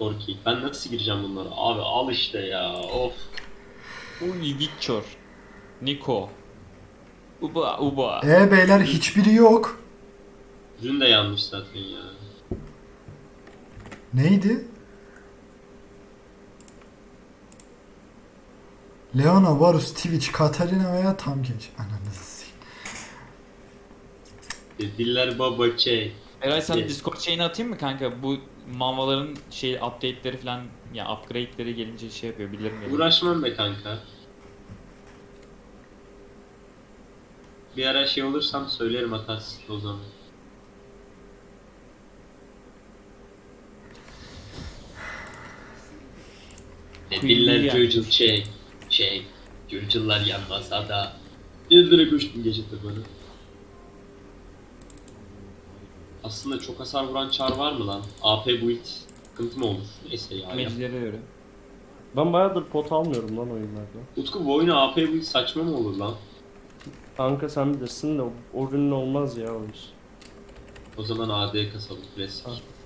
Korki. Ben nasıl gireceğim bunlara? Abi al işte ya. Of. Uy Victor. Nico. Uba uba. Beyler hiçbiri yok. Ürün de yanlış zaten ya. Neydi? Leona, Varus, Twitch, Katarina veya Tamkeç. Ananızı s**eyim. Diller baba şey. Eray sana Evet. Discord şeyini atayım mı kanka? Bu manvaların şey update'leri falan ya upgrade'leri gelince şey yapıyor bilirim yani. Uğraşmam be kanka. Bir ara şey olursam söylerim atarsın o zaman. Diller Yani. cırcıl şey. Cırcıllar yanmasa da. Yıldırı koştum gece tabanı. Aslında çok hasar vuran çar var mı lan? AP build sıkıntı mı olur? Neyse ya. Magicilere göre. Ben bayağıdır pot almıyorum lan oyunlarda. Utku bu oyuna AP build saçma mı olur lan? Kanka sen bilirsin de o ürünün olmaz ya o iş. O zaman AD kasalım klasik. Ha.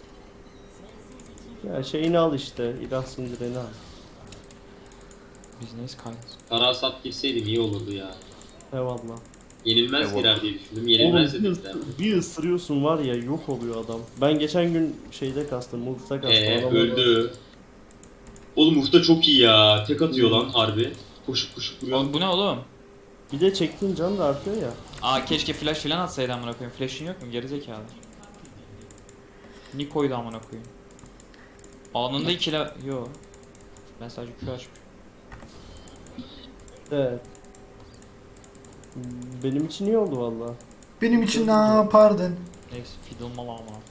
Ya şeyini al işte, ilah sindireni al. Business kind. Karasat girseydi iyi olurdu ya. Eyvallah. Yenilmez Eyvallah. girer diye düşündüm. Oğlum Yenilmez de bir, dediler. bir ısırıyorsun var ya yok oluyor adam. Ben geçen gün şeyde kastım, multita kastım. Adam Öldü. Oğlum Urta çok iyi ya. Tek atıyor lan harbi. Koşup koşup vuruyor. Oğlum bu ne oğlum? Bir de çektiğin can da artıyor ya. Aa keşke flash falan atsaydı amına koyayım. Flash'ın yok mu gerizekalı? Nico'ydu amına koyayım. Anında ikile... Yo. Ben sadece Q açmışım. Evet. Benim için iyi oldu valla. Benim için ne yapardın? Neyse fiddle mal amına koyayım.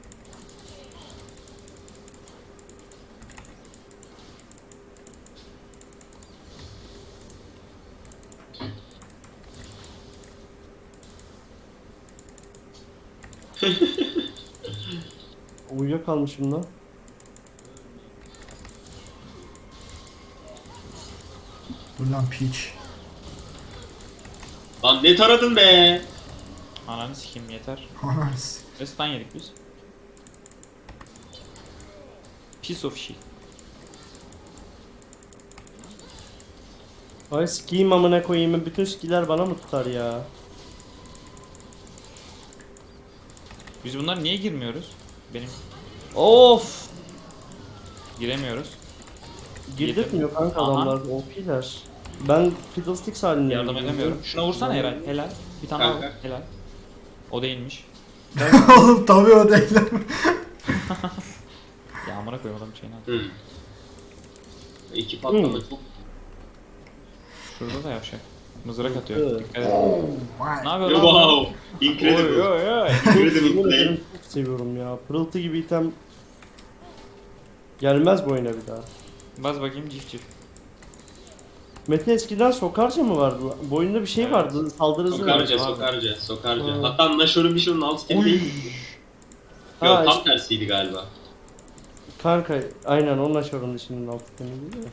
Uyuyakalmışım lan. Dur lan piç. Lan ne taradın be? Ananı sikeyim yeter. Anars. Ve stun yedik biz. Piece of shit. Ay sikiyim amına koyayım, bütün skiller bana mı tutar ya? Biz bunlar niye girmiyoruz? Benim Of! giremiyoruz. Girdirtmiyor kanka Aha. adamlar, OP'ler. Ben Fiddlesticks halindeyim. Yardım edemiyorum. Şuna vursana Eray. Helal. Bir tane daha vur. Kanka. Helal. O değilmiş. Oğlum tabii o değil. Ya amına koyayım adam şeyini at. İki patlama çok. Şurada da yavşak. Mızrak atıyor. Evet. Dikkat et. Vay. Ne yapıyor lan? bu? Wow. Incredible. Oy oy oy. Incredible Yemin play. ederim çok seviyorum ya. Pırıltı gibi item gelmez bu oyuna bir daha. Baz bakayım cif cif. Mete eskiden sokarca mı vardı? Bu oyunda bir şey Evet. vardı. Saldırı hızı Sokarca, vardı. sokarca, sokarca. Ha. Hatta Nashor'un bir şunun alt skill'i Oy. değil mi? Ha, Yok tam işte- tersiydi galiba. Kanka aynen onun aşağının dışının alt itemiydi değil mi?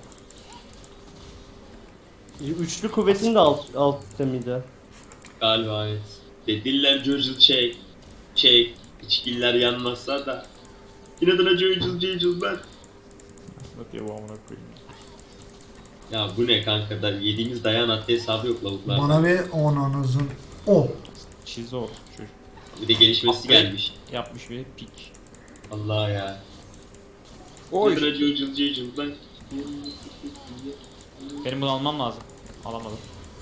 Üçlü kuvvetin de alt itemiydi. Galiba evet. Diller cırcıl şey. İçkiller yanmazsa da. İnadına cırcıl ben. Bakıyor bu amına koyayım. Ya bu ne kanka da yediğimiz dayan hatta hesabı yok lavuklarda. Bana bir onunuzun. O. Çizi oldu çocuk. Bir de gelişmesi gelmiş. Yapmış bir pik. Allah ya. Oy. İnadına cırcıl ben. Benim bunu almam lazım. Alamadım.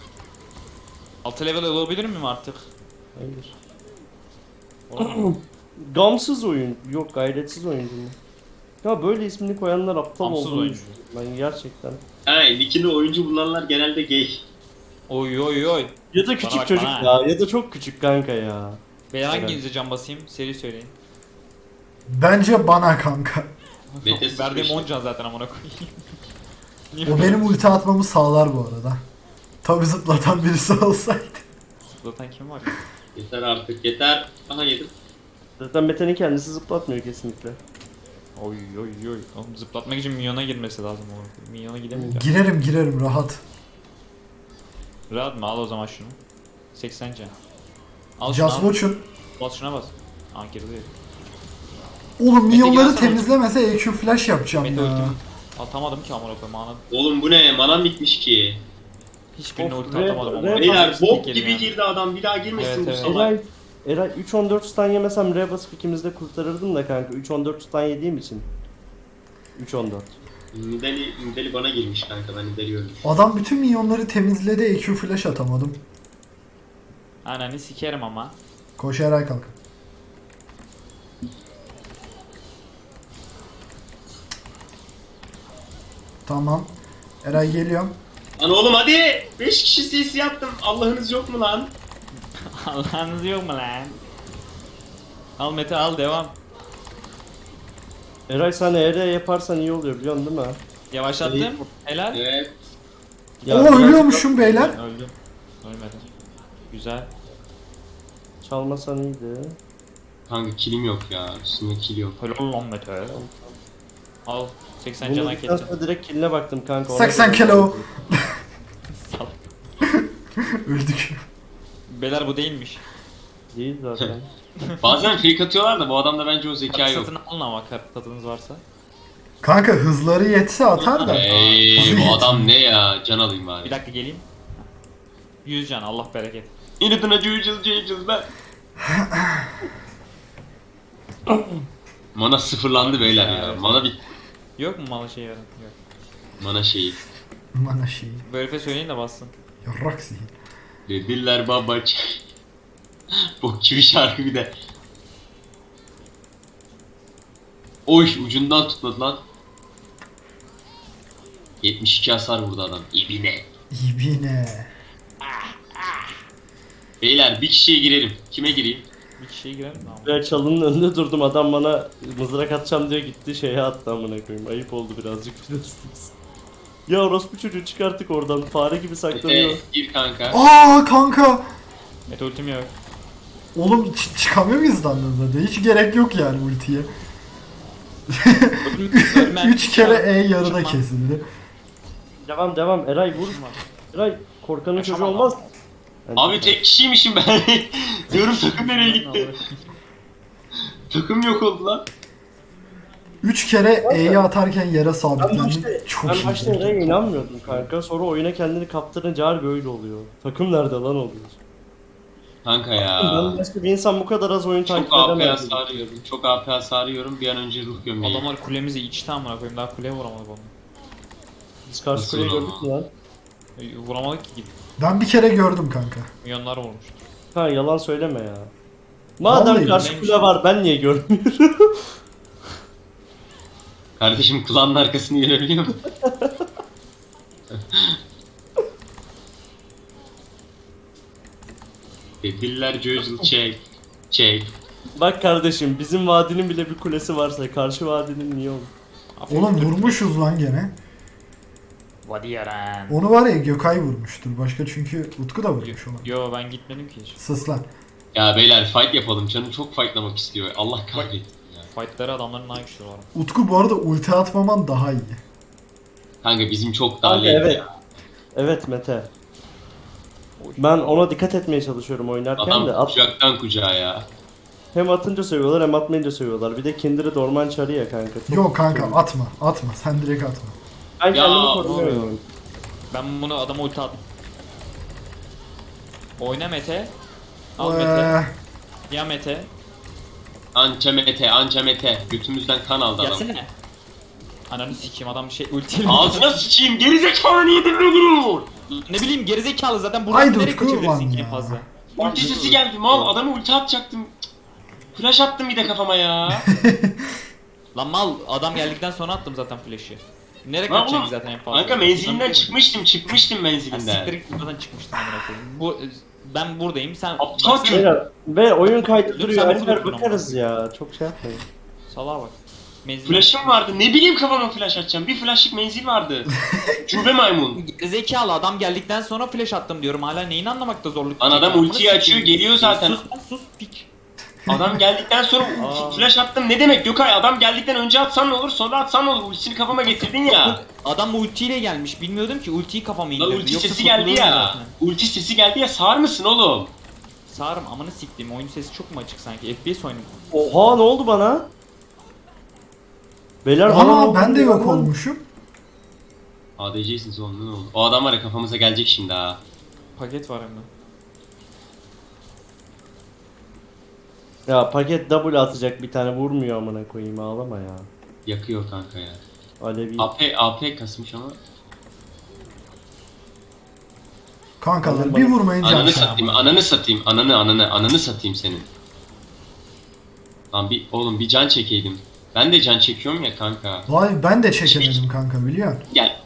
6 level olabilir miyim artık? Hayır. Olamam. Gamsız oyun. Yok gayretsiz oyuncu mu? Ya böyle ismini koyanlar aptal Gamsız olduğunu oyuncu. düşünüyorum ben gerçekten. Ha nickini oyuncu bulanlar genelde gay. Oy oy oy. Ya da küçük bak, çocuk bana. ya, ya da çok küçük kanka ya. Ben Evet. hanginize can basayım? Seri söyleyin. Bence bana kanka. Mete Verdiğim sıçmıştı. 10 can zaten amına koyayım. Niye O benim ulti atmamı sağlar bu arada. Tabi zıplatan birisi olsaydı. Zıplatan kim var ya? Yeter artık yeter. Aha yedim. Zaten Mete'nin kendisi zıplatmıyor kesinlikle. Oy oy oy. Oğlum zıplatmak için minyona girmesi lazım o. Minyona gidemeyeceğim. Girerim rahat. Rahat mı? Al o zaman şunu. 80 can. Al şunu Just al. Watch'un. Bas şuna bas. Aa girdi. Oğlum minyonları gelsene. temizlemese EQ flash yapacağım Mete ya. ultim atamadım ki amına koyayım ana. Oğlum bu ne? Manam bitmiş ki. Hiçbirine Of, ulti re- atamadım re- ama. Beyler Hepsini bok tek gibi yedim ya. girdi adam. Bir daha girmesin Evet, bu evet. salak. Eray 3-14 stun yemesem R basıp ikimiz de kurtarırdım da kanka 3-14 stun yediğim için. 3-14. Nidali bana girmiş kanka, ben Nidali öldüm. Adam bütün minyonları temizledi, EQ flash atamadım. Ananı sikerim ama. Koş Eray kalk. Tamam. Eray geliyorum. Lan oğlum hadi! 5 kişi CC yaptım. Allah'ınız yok mu lan? Allah'ınız yok mu lan? Al Mete al devam. Eray sen ER yaparsan iyi oluyor biliyorsun değil mi? Yavaşlattım. Helal. Evet. Oo biraz ölüyormuşum beyler. Öldüm. Ölmedim. Güzel. Çalmasan iyiydi. Kanka kilim yok ya. Üstümde kill yok. Helal lan Mete. Al. 80 Bunu can hak dedikten ettin. sonra direkt killine baktım kanka. ona 80 göre- kilo. Salak. Öldük. Beyler bu değilmiş. Değil zaten. Bazen fake atıyorlar da bu adamda bence o zeka Kart yok. satın alın ama kart tadınız varsa. Kanka hızları yetse atar da. Bu adam ne ya? Can alayım Bir bari. dakika geleyim. 100 can Allah bereket. İnadına cüyücüz be. Mana sıfırlandı beyler ya. Evet. Mana bit. Yok mu malı şey yarın? Yok. Mana şeyi. Bana şey. Bu herife söyleyin de bassın. Yarrak zihin. Dediler babaç. Bok gibi şarkı bir de. Oy ucundan tutmadı lan. 72 hasar vurdu adam. İbine. İbine. Beyler bir kişiye girelim. Kime gireyim? Bir kişiye girelim mi ama? Ben çalının önünde durdum adam bana mızrak atacağım diye gitti şeye attı amına koyayım. Ayıp oldu birazcık biliyorsunuz. Ya orospu çocuğu çıkarttık oradan fare gibi saklanıyor. Gir kanka. Aa kanka. Mete ultim yok. Oğlum çıkamıyor muyuz lan zaten? Hiç gerek yok yani ultiye. Ölmem. 3 kere E yarıda Çıkma. kesildi. Devam Eray vur. Eray korkanın çocuğu Yaşamam. olmaz. Abi tek kişiymişim ben. Diyorum takım nereye gitti? Takım yok oldu lan. 3 kere E'yi atarken yere Ben sabitlendim. başta, Çok ben başta iyi. Eray'a inanmıyordum kanka. Sonra oyuna kendini kaptırınca harbi öyle oluyor. Takım nerede lan oluyor? Kanka Ben ya. başka bir insan bu kadar az oyun Çok takip AP edemez. hasar yiyorum. Çok AP hasar yiyorum. Bir an önce ruh gömleği. Adamlar kulemizi içti amına koyayım daha kuleye vuramadık onu. Biz karşı Nasıl kuleyi ama? gördük mü lan? Vuramadık ki gidip. Ben bir kere gördüm kanka. Milyonlar vurmuş. Ha yalan söyleme ya. Madem Vallahi karşı neymiş? kule var ben niye görmüyorum? Kardeşim kulağının arkasını görebiliyor musun? Dediler Joyzul çek. Çek. Bak kardeşim bizim vadinin bile bir kulesi varsa karşı vadinin niye olur? Oğlum vurmuşuz lan gene. Vadi yaran. Onu var ya Gökay vurmuştur. Başka çünkü Utku da vurmuş onu. Yo ben gitmedim ki hiç. Sus lan. Ya beyler fight yapalım. Canım çok fightlamak istiyor. Allah kahretsin ya. Fightları adamların daha güçlü var. Utku bu arada ulti atmaman daha iyi. Kanka bizim çok daha Kanka, late evet. ya. Evet Mete. Ben ona dikkat etmeye çalışıyorum oynarken de Adam kucaktan kucağa ya. hem atınca sövüyorlar hem atmayınca sövüyorlar. Bir de Kindred orman çarı ya kanka. Çok Yok kanka sövüyor. atma. Atma. Sen direkt atma. Ben Ya, kendimi korumaya ne oynuyorum. Ben bunu adama ulti attım. Oyna Mete. Al Ee, Mete. Ya Mete. Anca mete, anca mete. Götümüzden kan aldı adam. Gelsene. Ananı sikeyim adam şey ultiyle. Ağzına sıçayım, gerizekalı niye dinlemiyor? Ne bileyim gerizekalı zaten Haydi buradan nereye Utku kaçabilirsin ulan ki ya. en fazla? Ulti sesi geldi mal, adamı ulti atacaktım. Flash attım bir de kafama ya. Lan mal adam geldikten sonra attım zaten flash'ı. Nereye Lan kaçacak oğlum, zaten en fazla? Kanka menzilinden Lan çıkmıştım Ya menzilinden. siktir git buradan çıkmıştım amına koyayım. Bu ben buradayım sen Aptal baksana. çocuk. Beyler, ve oyun kaydı Lütfen duruyor. bunu Alper lütfen bakarız ya. Çok şey yapmayın. Salağa bak. Menzil. Flash'ım vardı, ne bileyim kafama flash atacağım. Bir flashlık menzil vardı. Cübe maymun. Zekalı adam geldikten sonra flash attım diyorum. Hala neyini anlamakta zorluk Lan adam çekiyor? ultiyi Amına açıyor, sikeyim. geliyor zaten. Sus lan sus pik. Adam geldikten sonra Aa. flash attım ne demek Gökay? Adam geldikten önce atsan ne olur, sonra atsan ne olur? Ultisini kafama getirdin ya. Adam ultiyle gelmiş. Bilmiyordum ki ultiyi kafama Lan indirdi. ulti Yoksa sesi geldi kurtulurdum ya. zaten. Ulti sesi geldi ya, sağır mısın oğlum? Sağırım amanı siktiğim. Oyun sesi çok mu açık sanki? FPS oyunu. Oha ne oldu bana? Beyler bana ne Aa oldu ben de ya? yok olmuşum. ADC'siniz oğlum ne oldu? O adam var ya kafamıza gelecek şimdi ha. Paket var hem de. Ya paket double atacak bir tane vurmuyor amına koyayım ağlama ya. Yakıyor kanka ya. Alevi. AP kasmış ama. Kankalar bir vurmayın can. Ananı satayım, ananı satayım, ananı satayım senin. Lan bir can çekeydim. Ben de can çekiyorum ya kanka. Vay ben de çekemedim kanka biliyor musun? Gel.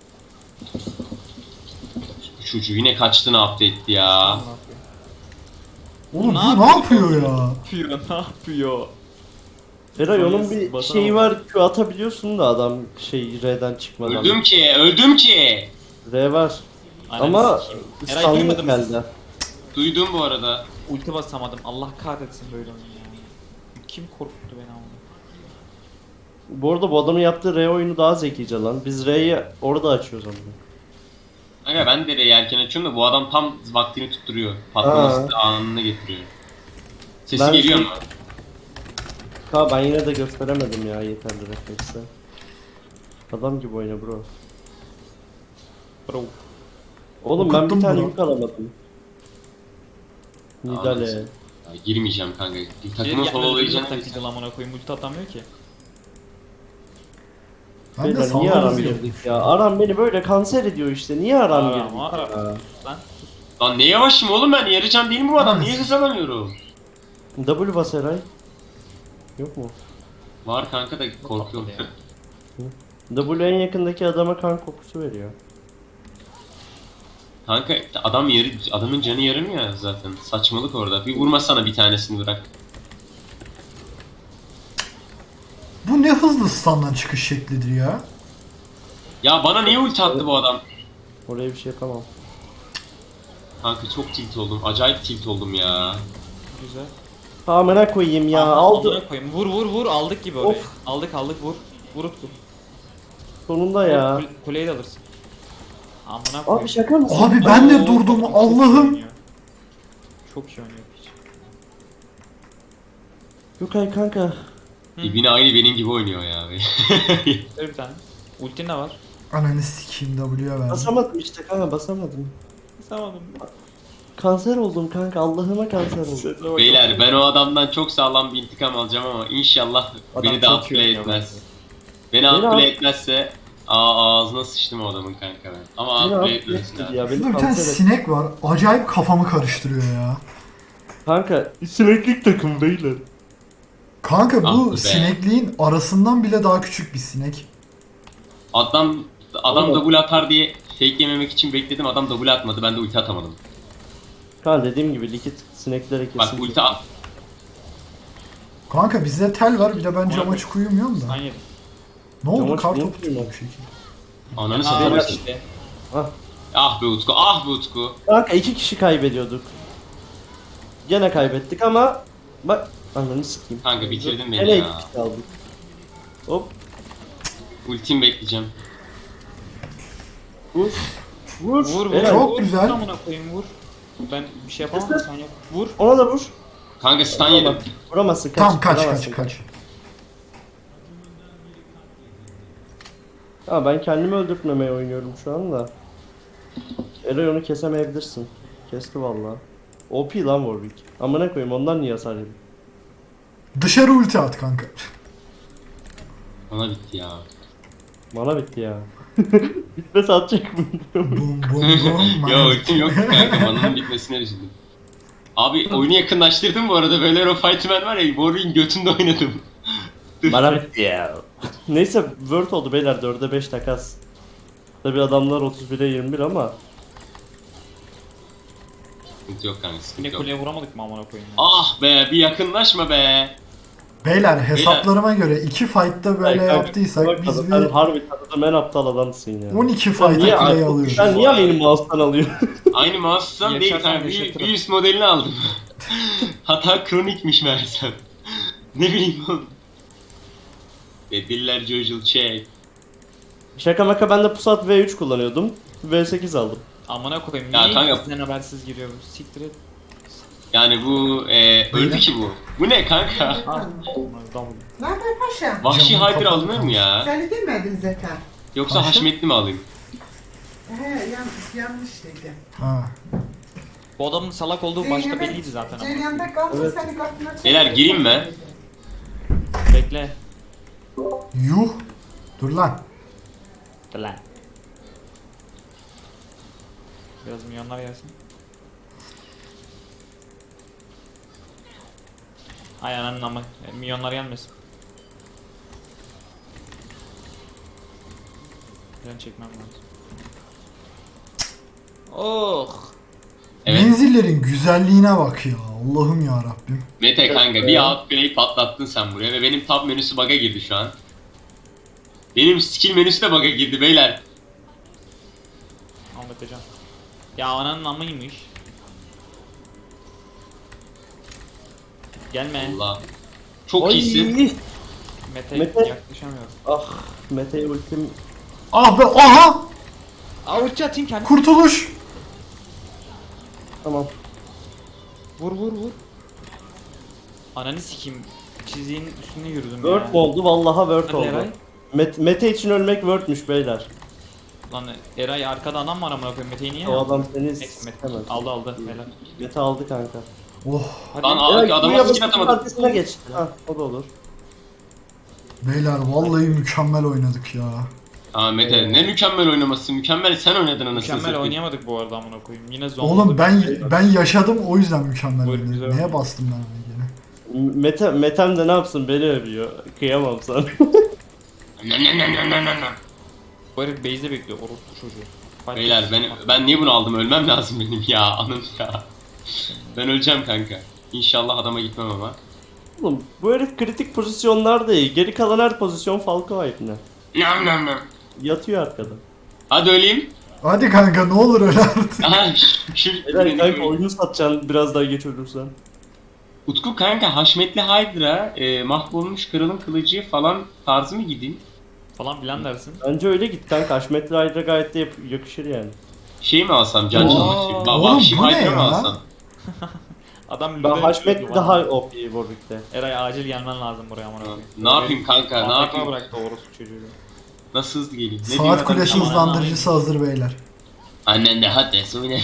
Bu çocuğu yine kaçtığını update ya. Oğlum Ne bu ne yapıyor ya? Ne yapıyor? Eray onun bir Basamadım. şeyi var Q atabiliyorsun da adam şey R'den çıkmadan. Öldüm ki. R var. Ananı Ama sikeyim. Eray İstanbul duymadın mı? geldi. Duydum bu arada. Ulti basamadım. Allah kahretsin böyle oyun ya. Kim korkuttu beni ama? Bu arada bu adamın yaptığı R oyunu daha zekice lan. Biz R'yi orada açıyoruz ama. Kanka ben de erken açıyorum da bu adam tam vaktini tutturuyor. Patlaması da anına getiriyor. Sesi Ben geliyor şey- mu? Ben yine de gösteremedim ya yeterli refleksle. Adam gibi oyna bro. Bro. Oğlum ben Okuttum bir tane bro. yük alamadım. Nidale. Ya, girmeyeceğim kanka. Takımın Takımın sololayacağını takıcı amına koyayım. Ulti atamıyor ki. Ben de Beyler niye sağlar aram hızlı girdik yokmuş. ya? Aram beni böyle kanser ediyor işte. Niye aram Aram, girdik aram. ya? Lan Lan ne yavaşım oğlum ben yarı can değil mi bu adam? Niye hız alamıyorum? W bas Eray. Yok mu? Var kanka da korkuyorum. patladı W en yakındaki adama kan kokusu veriyor. Kanka adamın canı yarım ya zaten. Saçmalık orada. Bir vurmasana bir tanesini bırak. Bu ne hızlı standdan çıkış şeklidir ya. Ya bana niye ulti attı bu adam? Oraya bir şey yapamam. Kanka çok tilt oldum. Acayip tilt oldum ya. güzel. Amına koyayım ya. Amına Aldı. koyayım. Vur aldık gibi orayı. Of. Aldık vur. Vur Utku. Sonunda ya. Kuleyi de alırsın. Amına Abi koyayım. şaka mısın? Abi ben de Oo, durdum çok iyi Allah'ım. oynuyor. Çok iyi oynuyor piç. Yukay kanka. İbni aynı benim gibi oynuyor ya. Ver bir tane. Ultin de var. Ananı sikeyim W'ye verdim. Basamadım işte kanka basamadım. Sağmadım. Kanser oldum kanka Allah'ıma kanser oldum. Beyler ben o adamdan çok sağlam bir intikam alacağım ama inşallah Adam beni de çok iyi upplay oynuyor etmez. Beni Beni upplay etmezse ağzına sıçtım o adamın kanka ben. Ama Beni upplay affettir etmesin ya abi. beni Şurada bir tane kanser et. sinek var. Acayip kafamı karıştırıyor ya. Kanka sineklik takım beyler. Kanka Ah bu be. sinekliğin arasından bile daha küçük bir sinek. Adam Oğlum. double atar diye fake yememek için bekledim. Adam double atmadı. Ben de ulti atamadım. Kanka dediğim gibi likit sineklere Bak kesin. ulti at. Kanka bizde tel var bir de ben cam Ona- açık uyumuyorum da. Sen yedin. Ne oldu? Cam Kar açık topu uyumuyor tuttu bir şekilde. Ananı Aa, satayım. bak işte. Ah be Utku, ah be Utku. Kanka 2 kişi kaybediyorduk. Gene kaybettik ama bak ananı sikeyim. Kanka bitirdin beni Gene ya. 2 kişi kaldık. Hop Ultim bekleyeceğim. vur. Vur. Vur Helal. Çok vur. güzel. Amına koyayım vur. Ben bir şey yapamam Kesin. sen yap. Vur. Ona da vur. Kanka stun yedim. Vuramaz- Vuramazsın kaç. Tamam kaç vuramazsın. kaç. Ha ben kendimi öldürtmemeye oynuyorum şu anda. Eray onu kesemeyebilirsin. Kesti valla. OP lan Warwick. Amına koyayım ondan niye hasar yedin? Dışarı ulti at kanka. Bana bitti ya. Mana bitti ya. Bitmese atacak mı? Bum bum bum. Ya ultim yok kanka. Mananın bitmesine üzüldüm. Abi oyunu yakınlaştırdım bu arada. Böyle o Fightman var ya. Warwick'in götünde oynadım. Mana bitti ya. Neyse Word oldu beyler 4'e 5 takas. Tabi adamlar 31'e 21 ama Sıkıntı yok kanka, sıkıntı Yine yok. kuleye vuramadık mı amına koyayım ya. Ah be, bir yakınlaşma be. Beyler hesaplarıma göre 2 fight'ta böyle Ay, kanka, yaptıysak bak, biz sen bir harbi tanıdığım en aptal adamsın ya. 12 Sen niye, fight'a play alıyoruz. sen niye benim mouse'tan alıyorsun? Aynı mouse'dan değil Yaşarsan kanka. Bir yaşatırım. üst modelini aldım. Hata kronikmiş meğersem. Ne bileyim oğlum. Dediler Jojo check. Şaka maka ben de Pusat V3 kullanıyordum. V8 aldım. Amına koyayım. Ya Niye kanka- bizden habersiz giriyor bu? Siktir et. Yani bu öldü ki bu. Bu ne kanka? Ah, double. Ne haber paşa? Vahşi Camın Hyper kapalı alınır mı ya? Seni demedin zaten. Yoksa Paşa? Haşmetli mi alayım? Yanlış dedi. Ha. Bu adamın salak olduğu başta belliydi zaten ama. Ceryanda kaldı Evet. seni kapına çekti. Beyler, gireyim mi? Bekle. Yuh. Dur lan. Lan. Biraz milyonlar gelsin. Ay ananın ama milyonlar gelmesin. Ben çekmem lazım. Oh. Evet. Menzillerin güzelliğine bak ya. Allah'ım ya Rabbim. Mete kanka bir outplay patlattın sen buraya ve benim tab menüsü bug'a girdi şu an. Benim skill menüsü de bug'a girdi beyler. Ahmet Hocam. Ya ananın amıymış. Gelme. Allah. Çok Ay! iyisin. Mete, Mete. yaklaşamıyorum. Ah Mete'ye ultim. Ah be aha! Avuçça atayım kendimi. Kurtuluş! Tamam. Vur vur vur. Ananı sikeyim. Çiziğin üstüne yürüdüm Word ya. mu oldu? Vallahi Word Hadi oldu. Eray. Mete için ölmek Word'müş beyler. Lan Eray arkada adam var amına koyayım. Mete'yi niye O aldın? adam seni Neyse, Mete istemez. aldı aldı. Helal. Mete aldı kanka. Oh. Hadi. Lan Eray, abi adama buraya skill basıp atamadım. arkasına geç. Ha o da olur. Beyler vallahi mükemmel oynadık ya. Aa Mete ne mükemmel oynaması. Mükemmel sen oynadın anasını Mükemmel satayım. oynayamadık bu arada amına koyayım. Yine zombi. Oğlum ben yaşadım o yüzden mükemmel Buyurun, güzel. oynadım. Neye bastım ben öyle gene? Metem de ne yapsın beni övüyor. Kıyamam sana. Bu herif base'de bekliyor. Orospu çocuğu. Fight Beyler ben niye bunu aldım? Ölmem lazım benim ya anım ya. Ben öleceğim kanka. İnşallah adama gitmem ama. Oğlum bu herif kritik pozisyonlarda iyi. Geri kalan her pozisyon Falco ayıpne. Nam nam nam. Yatıyor arkada. Hadi öleyim. Hadi kanka ne olur öyle artık. Aha şu Eray kanka oyunu satacaksın biraz daha geç ölürsen. Utku kanka Haşmetli Hydra, mahvolmuş kralın kılıcı falan tarzı mı gidin? falan filan dersin. Bence öyle git kanka. Haşmetli Hydra gayet de yakışır yani. Şey mi alsam can Oo, çalmak oğlum Vahşi bu ne Hydra mı ya? alsam? Adam Ben lüde Haşmetli düşürdü daha bana. OP Warwick'te. Eray acil gelmen lazım buraya amına koyayım. Ne yapayım kanka ne AFK yapayım? bıraktı orospu çocuğu. Nasıl hızlı geleyim? Ne Saat diyeyim kulesi adam? hızlandırıcısı hazır beyler. Annen de hadi söyle.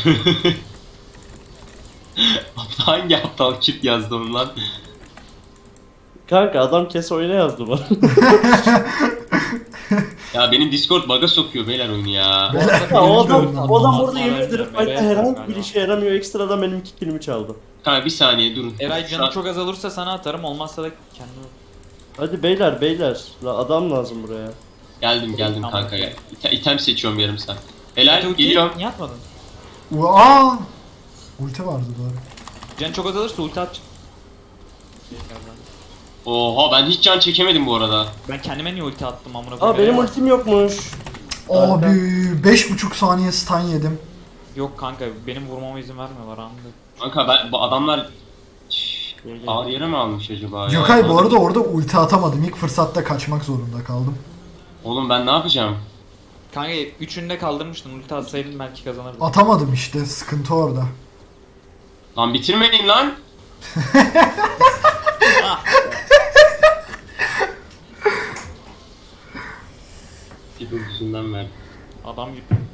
Hangi aptal kit yazdı onu lan? Kanka adam kes oyuna yazdı bana. Ya benim Discord bug'a sokuyor beyler oyunu ya. Beyler Ya o birinci adam, oyundan o adam aldım. orada yemin ederim Merak fight'ta etme herhangi bir galiba. işe yaramıyor. Ekstradan benim 2 killimi çaldı. Kanka bir saniye durun. Eray Şu canı an- çok azalırsa sana atarım olmazsa da kendim. Hadi beyler. Adam lazım buraya. Geldim Tamam. kanka ya. İtem seçiyorum yarım saat. Helal Ulti geliyorum. niye atmadın? Aa! Ulti vardı doğru. Can çok azalırsa ulti at. Oha ben hiç can çekemedim bu arada. Ben kendime niye ulti attım amına koyayım? Aa benim Eray- ultim yokmuş. Abi 5,5 saniye stun yedim. Yok kanka benim vurmama izin vermiyorlar anında. Kanka bu adamlar Gel, gel. ağır yere mi almış acaba ya? Gökay bu arada orada ulti atamadım. İlk fırsatta kaçmak zorunda kaldım. Oğlum ben ne yapacağım? Kanka üçünü de kaldırmıştın ulti atsaydın belki kazanırdın. Atamadım işte sıkıntı orada. Lan bitirmeyin lan. Bir yüzünden verdim. Adam gibi.